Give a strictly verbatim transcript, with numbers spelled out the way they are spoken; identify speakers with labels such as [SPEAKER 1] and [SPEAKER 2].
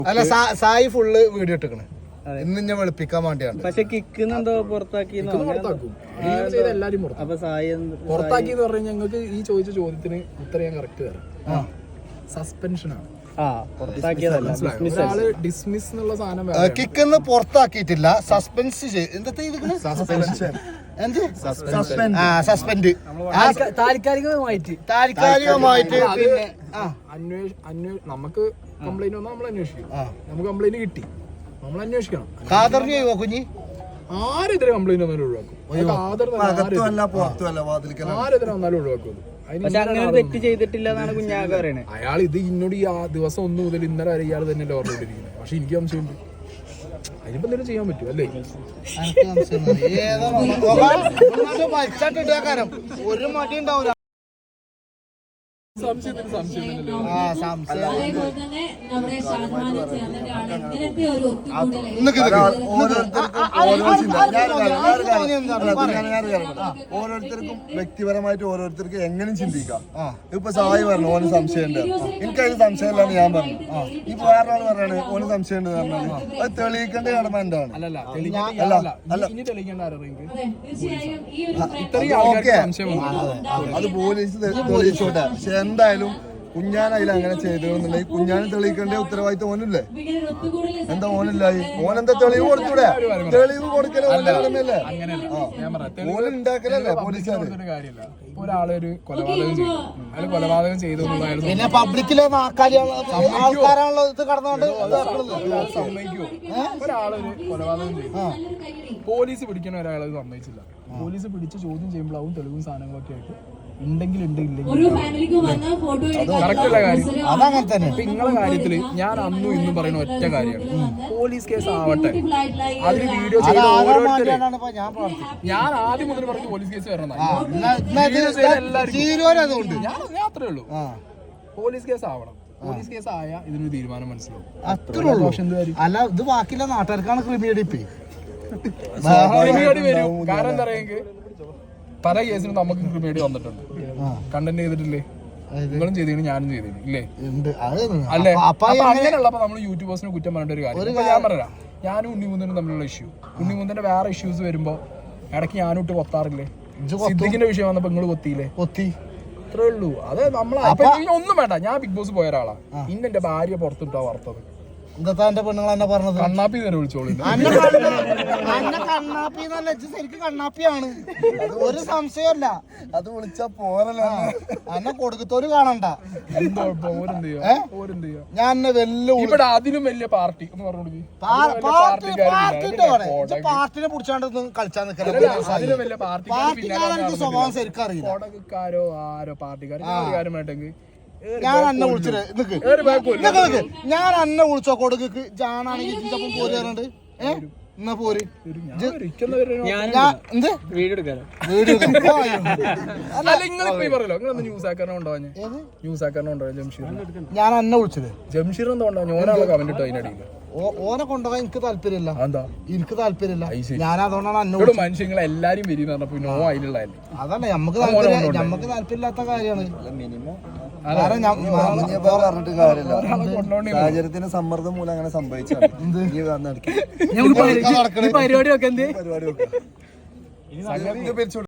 [SPEAKER 1] അല്ല Sai full video ഇട്ടിക്കണ് ഇന്ന് ഞാൻ വെളുപ്പിക്കാൻ വേണ്ടിയാണ്.
[SPEAKER 2] പക്ഷെ കിക്കുന്നുണ്ടോ പുറത്താക്കി
[SPEAKER 3] എല്ലാരും പുറത്താക്കി എന്ന് പറഞ്ഞാൽ ഞങ്ങൾക്ക് ഈ ചോദിച്ച ചോദ്യത്തിന് ഉത്തരം ഞാൻ കറക്റ്റ് തരാം. സസ്പെൻഷൻ ആണ്. ഡിസ്മിസ് എന്നുള്ള സാധനം
[SPEAKER 1] കിക്കെന്ന് പുറത്താക്കിയിട്ടില്ല, സസ്പെൻസ് സസ്പെൻഡ്
[SPEAKER 2] താൽക്കാലികമായിട്ട്
[SPEAKER 1] താൽക്കാലികമായിട്ട്
[SPEAKER 3] നമുക്ക് കംപ്ലൈന്റ് വന്നാൽ നമ്മൾ അന്വേഷിക്കും. നമുക്ക് കംപ്ലൈന്റ് കിട്ടി, നമ്മൾ അന്വേഷിക്കണം.
[SPEAKER 1] കാതറിന് ചെയ്യുമോ കുഞ്ഞി?
[SPEAKER 3] ആരെതിരെ കംപ്ലൈന്റ് വന്നാലും ഒഴിവാക്കും. ആരെതിരെ വന്നാലും ഒഴിവാക്കും.
[SPEAKER 2] തെറ്റ് ചെയ്തിട്ടില്ല എന്നാണ് കുഞ്ഞാക്ക പറയണേ.
[SPEAKER 3] അയാൾ ഇത് ഇന്നോട് ഈ ദിവസം ഒന്ന് മുതൽ ഇന്നലെ വരെ ഇയാൾ തന്നെ ഓർമ്മയിട്ടിരിക്കുന്നത്. പക്ഷെ എനിക്ക് സംശയമുണ്ട്, അതിനിപ്പോ എന്തെങ്കിലും ചെയ്യാൻ പറ്റും അല്ലേ?
[SPEAKER 1] ഒരു മടി ഉണ്ടാവില്ല.
[SPEAKER 3] സംശയത്തിന് സംശയം
[SPEAKER 4] ഓരോരുത്തർക്കും വ്യക്തിപരമായിട്ട് ഓരോരുത്തർക്ക് എങ്ങനെ ചിന്തിക്കാം. ഇപ്പൊ സായി പറഞ്ഞു ഓന് സംശയമുണ്ട്, എനിക്കതിന് സംശയമില്ലാന്ന് ഞാൻ പറഞ്ഞു. ഇപ്പൊ വേറൊരാൾ പറയാണ് ഓന് സംശയം ഉണ്ട് പറഞ്ഞാൽ അത് തെളിയിക്കേണ്ട കടമ എന്താണ്? അത് പോലീസ് തെളിയിച്ചോട്ടെ. പക്ഷെ എന്തായാലും കുഞ്ഞാൻ അതിൽ അങ്ങനെ ചെയ്തതെന്നുണ്ടെങ്കിൽ കുഞ്ഞാന് തെളിയിക്കേണ്ട ഉത്തരവാദിത്തം ഓനില്ലേ? എന്താ ഓനില്ലായി? ഓനെന്താ തെളിവ് കൊടുത്തൂടെ? തെളിവ് കൊടുക്കലേ ഓനല്ലേ? ഓനുണ്ടാക്കലല്ലേ പോലീസുകാർ?
[SPEAKER 3] ഒരാളൊരു കൊലപാതകം ചെയ്തു, അയാൾ കൊലപാതകം ചെയ്തു
[SPEAKER 1] പിന്നെ പബ്ലിക്കിലെ ആൾക്കാരാണല്ലോ ഇത് കടന്നുകൊണ്ട്
[SPEAKER 3] സമ്മതിക്കുമോ? ഒരാളൊരു കൊലപാതകം ചെയ്തു, പോലീസ് പിടിക്കണ ഒരാളത് സമ്മതിച്ചില്ല. പോലീസ് പിടിച്ച് ചോദ്യം ചെയ്യുമ്പോഴാവും തെളിവും സാധനങ്ങളൊക്കെ ആയിട്ട് ഉണ്ടെങ്കിൽ ഉണ്ട്, ഇല്ലെങ്കിൽ കറക്റ്റുള്ള കാര്യം
[SPEAKER 1] അതങ്ങനെ തന്നെ.
[SPEAKER 3] ഇപ്പൊ നിങ്ങളെ കാര്യത്തില് ഞാൻ അന്നും ഇന്നും പറയുന്ന ഒറ്റ കാര്യമാണ്, പോലീസ് കേസ് ആവട്ടെ, അതിന് വീഡിയോ ചെയ്ത ഓരോരുത്തരും ഞാൻ ആദ്യം മുതൽ പറഞ്ഞു പോലീസ് കേസ് വരണം. ഞാൻ അത്രേ ഉള്ളൂ, പോലീസ് കേസ് ആവണം. പോലീസ് കേസ് ആയ ഇതിനൊരു തീരുമാനം മനസ്സിലാവും.
[SPEAKER 1] അത്രേ ഉള്ളൂ. അല്ല ഇത് ബാക്കിയുള്ള നാട്ടുകാർക്കാണ് ക്രിമിനടിപ്പ്
[SPEAKER 3] വരും. കാരണം എന്താ പറയുക, പല കേസിനും നമുക്ക് ക്രിമിനേഡി വന്നിട്ടുണ്ട്. കണ്ടന്റ് ചെയ്തിട്ടില്ലേ? നിങ്ങളും ചെയ്തിട്ട് ഞാനും ചെയ്തിട്ട് ഇല്ലേ? അല്ലേ? അപ്പൊ അങ്ങനെയുള്ളപ്പോ നമ്മൾ യൂട്യൂബേഴ്സിനെ കുറ്റം പറഞ്ഞ ഒരു കാര്യം. ഇപ്പൊ ഞാൻ പറയാം, ഞാനും ഉണ്ണിമുന്തനും തമ്മിലുള്ള ഇഷ്യൂ, ഉണ്ണിമുന്തന്റെ വേറെ ഇഷ്യൂസ് വരുമ്പോ ഇടയ്ക്ക് ഞാനും ഇട്ട് കൊത്താറില്ലേ? സിദ്ദിഖിന്റെ വിഷയം വന്നപ്പോ നിങ്ങള് കൊത്തിയില്ലേ?
[SPEAKER 1] കൊത്തി
[SPEAKER 3] അത്രേ ഉള്ളൂ. അത് നമ്മളെ ഒന്നും വേണ്ട. ഞാൻ ബിഗ് ബോസ് പോയ ഒരാളാ, ഇന്ന് എന്റെ ഭാര്യ പുറത്തിട്ടാ വറുത്തത്.
[SPEAKER 1] എന്താ എന്റെ പെണ്ണുങ്ങൾ എന്നെ പറഞ്ഞത്?
[SPEAKER 3] കണ്ണാപ്പി തന്നെ വിളിച്ചോളൂ.
[SPEAKER 1] കണ്ണാപ്പി ശരിക്കും കണ്ണാപ്പിയാണ്, ഒരു സംശയമല്ല.
[SPEAKER 4] അത് വിളിച്ചാ പോരല്ല,
[SPEAKER 1] എന്നെ കൊടുക്കത്തോര് കാണണ്ട. ഞാൻ വെല്ലു
[SPEAKER 3] ഇവിടെ അതിനും വലിയ പാർട്ടി എന്ന് പറഞ്ഞു,
[SPEAKER 1] പാർട്ടിനെ പിടിച്ചാണ്ട് കളിച്ചാൽ നിൽക്കല. സ്വഭാവം ശരിക്കും അറിയില്ല.
[SPEAKER 3] കൊടക്കാരോ ആരോ പാർട്ടിക്കാരോ കാര്യമായിട്ടെങ്കിൽ
[SPEAKER 1] ഞാൻ അന്നെ വിളിച്ചത് ഞാൻ അന്നെ വിളിച്ചോ കൊടുക്ക് ജാനാണെങ്കിൽ ചിന്തപ്പം പോര് പറഞ്ഞിട്ട് ഏഹ് എന്നാ പോര് ഞാൻ അന്നെ വിളിച്ചത്.
[SPEAKER 3] ജംഷീർ എന്താ ഞാനാളെ കമന്റ് ഇട്ടോ അതിനടിയില്ല.
[SPEAKER 1] ഓനെ കൊണ്ടുപോകാൻ എനിക്ക് താല്പര്യമില്ല. എനിക്ക് താല്പര്യമില്ല. ഞാൻ അതുകൊണ്ടാണ് അന്നോട്
[SPEAKER 3] മനുഷ്യങ്ങളെ എല്ലാരും വരും പറഞ്ഞപ്പോ നോ അതിനുള്ള
[SPEAKER 1] അതല്ല നമുക്ക് താല്പര്യം, നമുക്ക് താല്പര്യമില്ലാത്ത കാര്യമാണ്.
[SPEAKER 4] പറഞ്ഞിട്ട് കാര്യമില്ല, സാഹചര്യത്തിന് സമ്മർദ്ദം മൂലം അങ്ങനെ സംഭവിച്ചാണ്.
[SPEAKER 2] പരിപാടി ഒക്കെ
[SPEAKER 4] പരിപാടി ഒക്കെ